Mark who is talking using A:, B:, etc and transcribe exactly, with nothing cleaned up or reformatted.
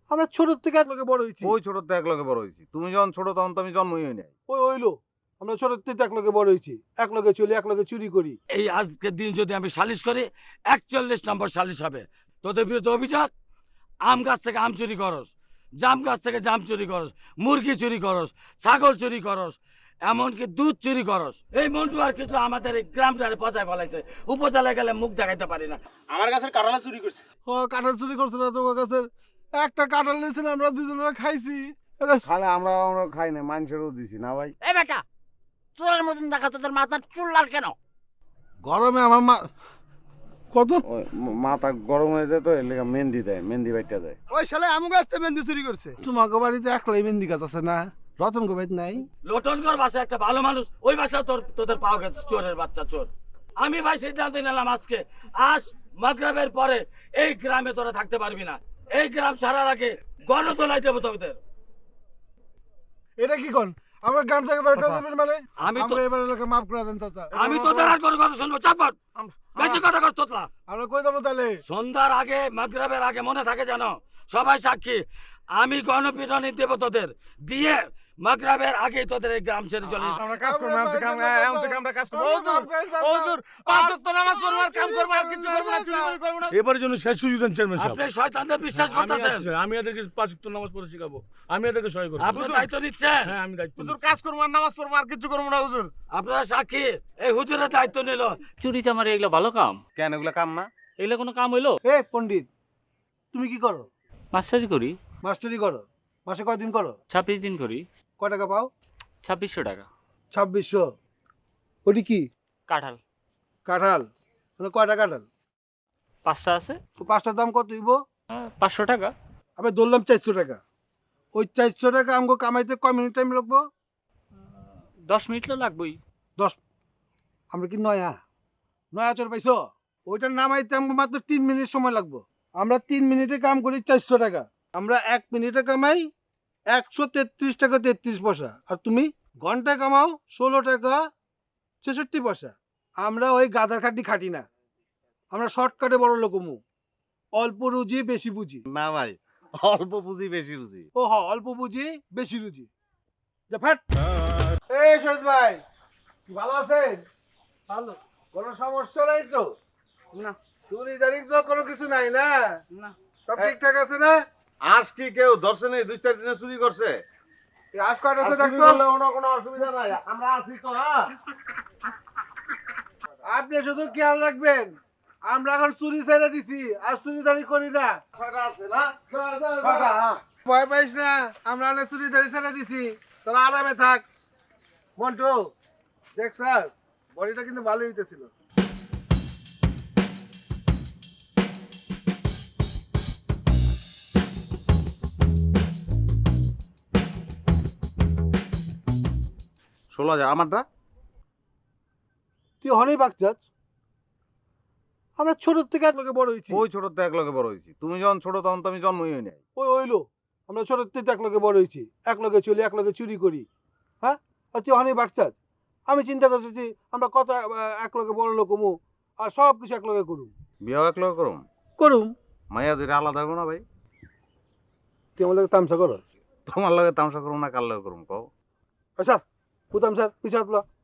A: আমরা ছোট থেকে এক লগে বড় হয়েছি।
B: ওই ছোট থেকে এক লগে বড় হয়েছি, তুমি যখন ছোট তখন তো আমি জন্মই হই নাই।
A: ওই হইলো আমরা ছোট থেকে এক লগে বড় হয়েছি, এক লগে চলি, এক লগে চুরি করি।
C: এই আজকের দিন যদি আমি সালিশ করি একচল্লিশ নম্বর সালিশ হবে। তোদের বিরুদ্ধে অভিযোগ, আম গাছ থেকে আম চুরি করস, জাম গাছ থেকে জাম চুরি করস, মুরগি চুরি করস, ছাগল চুরি করস, এমনকি দুধ চুরি করস। এই মন্টু আর কিছু আমাদের এই গ্রামটারে পচায় ফেলাইছে। উপজেলায় গেলে মুখ দেখাইতে পারি না।
D: আমার গাছের কাঁঠাল চুরি করছে।
A: ও কাঁঠাল চুরি করছে না তোমার কাছে? একটা কাঁঠাল নিয়েছেন, আমরা দুজনে খাইছি।
B: খালে আমরা আমরা খাই না, মানুষেরও দিছি না ভাই।
E: এই বেটা, চোরের মতন দেখা তোদের মাথার চুল লাল কেন?
A: গরমে আমার মা কত
B: ওই ম- মাথা গরম হয়ে যায় তো, এর লেগে মেহেন্দি দেয়, মেহেন্দি বাইটা দেয়।
A: ওই শালা আমু গাছ থেকে মেহেন্দি চুরি করছে। তোমাকে বাড়িতে একলাই মেহেন্দি গাছ আছে না? রতন গো বাড়িতে নাই?
C: লোটনগর বাসা একটা ভালো মানুষ, ওই বাসা তোর তোদের পাওয়া গেছে চোরের বাচ্চা চোর। আমি ভাই সিদ্ধান্ত নিলাম আজকে আজ মাগরিবের পরে এই গ্রামে তোরা থাকতে পারবি না। এই গ্রাম ছাড়ার আগে গণতলায় দেবো তোদের।
A: এটা কি কোন? আমার গান থেকে বেরোতে দেবেন মানে?
C: আমি তো
A: আমরা এবার এলাকা মাফ করে দেন চাচা।
C: আমি তোদের আর কোনো কথা শুনবো, চাপ কর। বেশি কথা কর তোতলা।
A: আমরা কই দেবো তাহলে?
C: সন্ধ্যার আগে মাগরিবের আগে মনে থাকে জানো, সবাই সাক্ষী, আমি গণপিটনি দেব তোদের, দিয়ে মাগরিবের আগে তোদের এই গ্রাম ছেড়ে চলে যেতে।
A: আমরা কাজ করবো, এখন থেকে আমরা এখন থেকে আমরা কাজ করবো। হুজুর, হুজুর,
D: পাঁচ ওয়াক্ত নামাজ পড়বো আর কাম করবো আর কিছু করবো না, চুরি করে করবো না।
F: এবারের জন্য শেষ সুযোগ দেন চেয়ারম্যান সাহেব।
C: আপনি শয়তানদের বিশ্বাস
F: আমি
C: করতেছেন,
F: আছি, আমি এদেরকে পাঁচ ওয়াক্ত নামাজ পড়ে শিখাবো, আমি এদেরকে সহায় করবো।
C: আপনি দায়িত্ব নিচ্ছেন।
F: হ্যাঁ আমি দায়িত্ব
D: হুজুর
F: নিচ্ছি।
D: কাজ করবো আর নামাজ পড়বো আর কিছু করবো না হুজুর।
C: আপনারা সাক্ষী, এই হুজুরের দায়িত্ব নিল।
G: চুরি চামারি এগুলো ভালো কাম?
B: কেন এগুলো কাম না?
G: এগুলো কোনো কাম হইলো?
A: এ পণ্ডিত, তুমি কি করো?
G: মাস্টারি করি,
A: মাস্টারি করো? মাসে কয়দিন করো?
G: ছাব্বিশ দিন করি।
A: কয় টাকা পাও?
G: ছাব্বিশশো টাকা।
A: ছাব্বিশশো। ওটি কি?
G: কাঁঠাল
A: কাঁঠাল? মানে কয়টা কাঁঠাল?
G: পাঁচটা আছে।
A: তো পাঁচটার দাম কত হইব?
G: আহ, পাঁচশো টাকা।
A: আমি ধরলাম চারশো টাকা। ওই চারশো টাকা আমাকে কামাইতে কয় মিনিট টাইম লাগবো?
G: দশ মিনিট তো লাগবেই।
A: দশ? আমরা কি নয়া নয়া চর পাইছো? ওইটার নামাইতে আমাকে মাত্র তিন মিনিট সময় লাগবো। আমরা তিন মিনিটে কাম করি চারশো টাকা, আমরা এক মিনিটে কামাই একশো তেত্রিশ টাকা তেত্রিশ পয়সা। আর তুমি ঘন্টায় কামাও ষোলো টাকা ছেষট্টি পয়সা। আমরা ওই গাধার খাটি খাটি না, আমরা শর্টকাটে বড় লোকমু। অল্প রুজি বেশি বুঝি।
B: না ভাই, অল্প পুঁজি বেশি রুচি।
A: ও হ, অল্প বুঝি বেশি রুজি। যা ফ্যাট। এই সৈয়দ ভাই, ভালো আছেন?
D: ভালো
A: কোনো সমস্যা নাই তো?
D: না।
A: চুরি দাঁড়ি তো কোনো কিছু নাই না?
D: না।
A: সব ঠিকঠাক আছে না?
B: আজ কি কেউ দর্শনে নেই দুই চার দিনে চুরি করছে?
A: এই আশ কয়টা
B: আর
A: আছে
B: চুরি
A: দেখতো?
B: করলে কোনো কোনো অসুবিধা নাই, আমরা আছি তো। হ্যাঁ,
A: আপনি শুধু খেয়াল রাখবেন, আমরা এখন চুরি ছেড়ে দিছি, আর চুরি দাঁড়ি করি না।
B: ছয়টা আছে না?
A: যা, যা, যা।
B: ছয়টা, হ্যাঁ।
A: ভয় পাইস না, আমরা অনেক চুরি দাঁড়ি ছেড়ে দিছি, তোরা আরামে থাক। মন্টু, দেখছাস বডিটা কিন্তু ভালোই হইতেছিল।
B: ষোলো হাজার আমারটা।
A: তুই হনেই বাগচাস, আমরা ছোট থেকে এক লগে বড় হয়েছি।
B: ওই ছোট থেকে এক লগে বড় হয়েছি, তুমি যখন ছোট তখন তো আমি জন্মই হই নাই।
A: ওই হইলো আমরা ছোট থেকে এক লগে বড় হয়েছি, এক লগে চলি, এক লগে চুরি করি। হ্যাঁ, আর তুই হনেই বাগচাস। আমি চিন্তা করতেছি আমরা কত আহ, এক লগে বড় লোক হমু, আর সব কিছু এক লগে করুম
B: বিয়েও এক লগে করুম।
A: করুম
B: মাইয়া দুইটা আলাদা হবো না ভাই?
A: তুই আমার লগে তামসা করো?
B: তোমার লগে তামসা করুম না কার লগে করুম কও?
A: স্যার, ও তামসার পিছাতলা